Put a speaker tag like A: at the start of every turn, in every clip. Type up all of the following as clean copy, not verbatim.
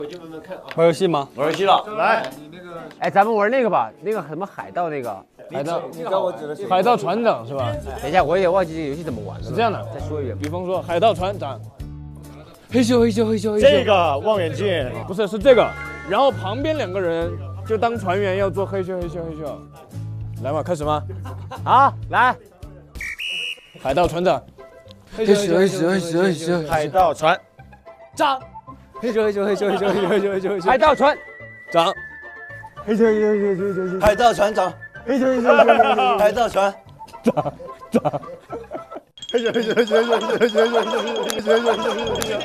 A: 玩游戏吗？
B: 玩游戏了，
C: 来，
D: 哎，咱们玩那个吧，那个什么海盗那个。
A: 海盗船长是吧？
D: 等一下，我也忘记这个游戏怎么玩了。
A: 是这样的，
D: 再说一遍。
A: 比方说海盗船长，嘿咻嘿咻嘿咻嘿咻。
C: 这个望远镜
A: 不是这个，然后旁边两个人就当船员要做嘿咻嘿咻嘿咻。来嘛，开始吗？
D: 好，来。
A: 海盗船长，
D: 嘿咻嘿咻嘿咻嘿咻。
C: 海盗船
A: 长，嘿咻嘿咻嘿咻嘿咻嘿咻嘿咻嘿咻嘿咻。
D: 海盗船
A: 长，
D: 嘿咻嘿咻嘿咻嘿咻。
B: 海盗船长，
D: 嘿咻嘿咻嘿咻。
B: 海盗船
A: 长。
C: 嘿咻嘿咻嘿咻嘿咻嘿咻嘿咻嘿咻嘿咻嘿咻。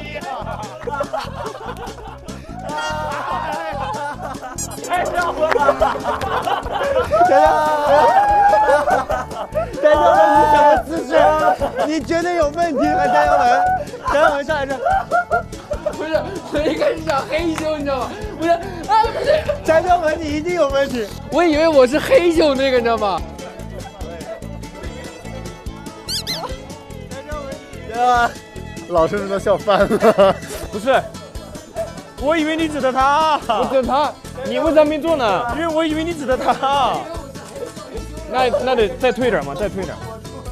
D: 太笑了！詹小文，你什么姿势？你绝对有问题啊，詹小文！詹小文上来这。
E: 不是，我一开始想黑咻，你知道吗？不是啊，不是，
D: 詹小文，你一定有问题。
E: 我以为我是黑咻那个，你知道吗？
C: 啊！老师都笑翻了。
A: 不是，我以为你指的他，我指的他，你为啥没做呢？因为我以为你指的他。那得再退点嘛，再退点。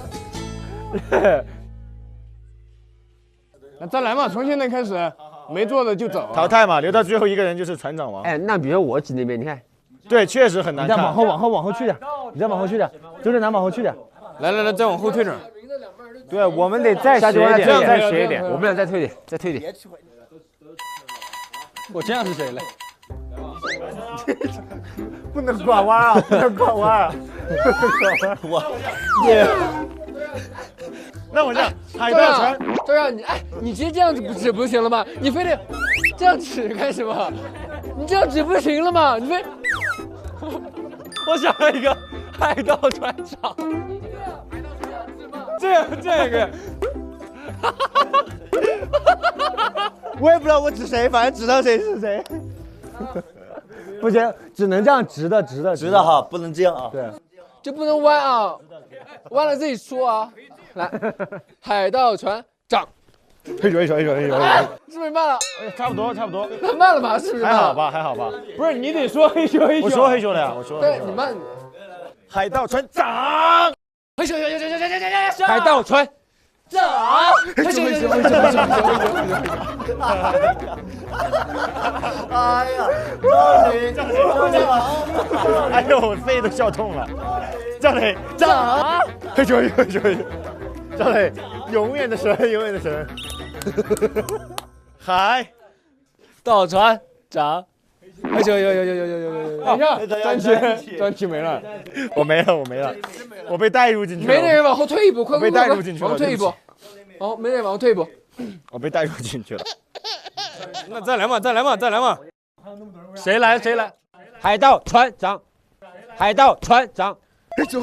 A: 那再来嘛，从现在开始，没做的就走。
C: 淘汰嘛，留到最后一个人就是船长王。
D: 哎，那比如我指那边，你看，
C: 对，确实很难看。
D: 你再往后去点，你再往后去点，就这难往后去点。
A: 来，再往后退点。
D: 对，我们得再斜一点，
A: 再斜一点。
D: 我们俩再退点，再退点。
A: 我这样是谁嘞？
D: 不能拐弯啊！不能拐弯啊！
C: 我，耶。那我这样，海盗船，
E: 对啊，你直接这样子指不行了吗？你非得这样指干什么？你这样指不行了吗？你非……
A: 我想了一个海盗船长，这样一个。
D: 我也不知道我指谁，反正指到谁是谁。不行，只能这样直的
B: 哈，不能这样啊。
D: 对，
E: 就不能弯啊，弯了自己说啊。来，海盗船长，
C: 嘿咻。
E: 是不是慢了？
C: 差不多。
E: 那慢了吧？是不是？
C: 还好吧。
A: 不是你得说嘿咻嘿咻。
C: 我说嘿咻了呀，我说。
E: 对，你慢。
C: 海盗船长，
E: 嘿咻。
D: 海盗船
E: 长，嘿咻。
B: 哎呀，赵磊，
C: 哎呦，我肺都笑痛了。赵磊长，嘿咻。赵磊，永远的神。海
A: 盗船长，嘿咻。等一下，专题没了。
C: 我没了，我被带入进去了。
E: 没那人往后退一步，快！
C: 被带入进去了，
E: 往后退一步。哦，没人往后退一步。
C: 我被带入进去了。
A: 那再来嘛。谁来？
D: 海盗船长，嘿咻。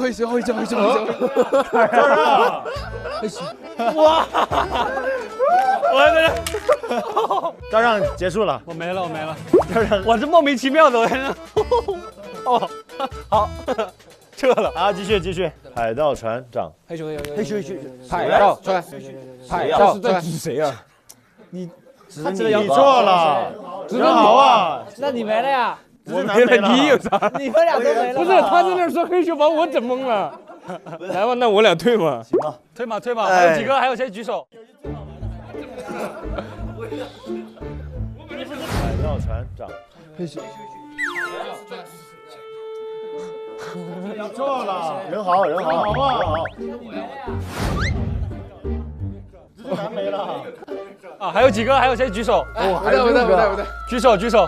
C: 哇！我在这。招让结束了。
A: 我没了。
C: 招让，
A: 我这莫名其妙的，哦，好，撤了。
C: 好，继续。海盗船长，
A: 嘿咻。
D: 海盗船，
A: 是在指谁啊？
C: 你错了，人好啊。
D: 那你没了呀？
C: 我没了，
A: 你有啥？
D: 你们俩都没了。
A: 不是，他在那说嘿咻，把我整懵了。来吧，那我俩退嘛。
B: 行吧，
A: 退嘛。还有几个？还有谁举手？
C: 海盗船长，
D: 嘿咻。
C: 你错了，人好，好不好？难没了。
A: 啊，还有几个？还有谁举手？
E: 我在。
A: 举手。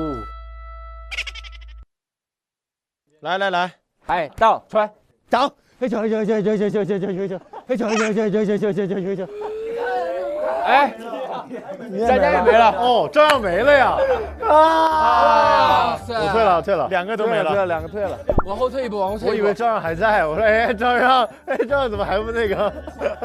C: 来，
D: 海盗船长，嘿咻。哎，大家也没了。
C: 哦，这样没了呀！我退了，两个都没了，
D: 两个退了。
E: 往后退一步。
C: 我以为赵让还在，我说哎，赵让怎么还不那个？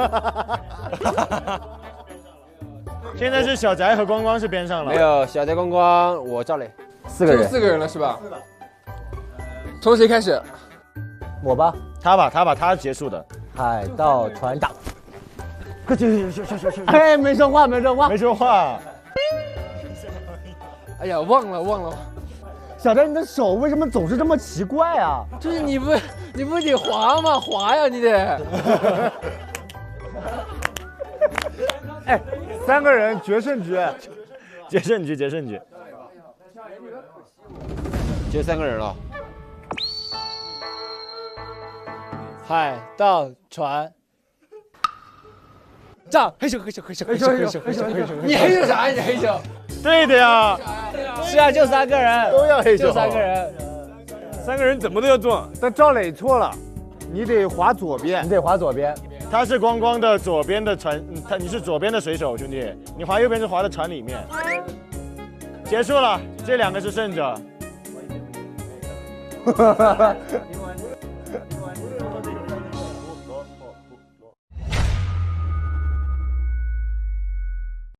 C: 现在是小翟和光光是边上了。
D: 没有，小翟、光光，我赵磊，4个人。
E: 4个人了是吧？从谁开始？
D: 我吧，
C: 他结束的。
D: 海盗船长。哎，没说话。
C: 没说话。
E: 哎呀，忘了。
D: 小张，你的手为什么总是这么奇怪啊？
E: 就是你不得滑吗？滑呀，你得。
C: 哎，3个人决胜局，决胜局。
A: 就3个人了。
F: 海盗船。站，黑手。
E: 你黑手啥呀？你黑手？
C: 对的呀，
F: 是啊，就3个人，
C: 都要黑手，
F: 就3个人。
A: 3个人怎么都要撞。
C: 但赵磊错了，你得滑左边，
D: 你得滑左边。
C: 他是光光的左边的船，你是左边的水手，兄弟，你滑右边是滑的船里面。结束了，这2个是胜者。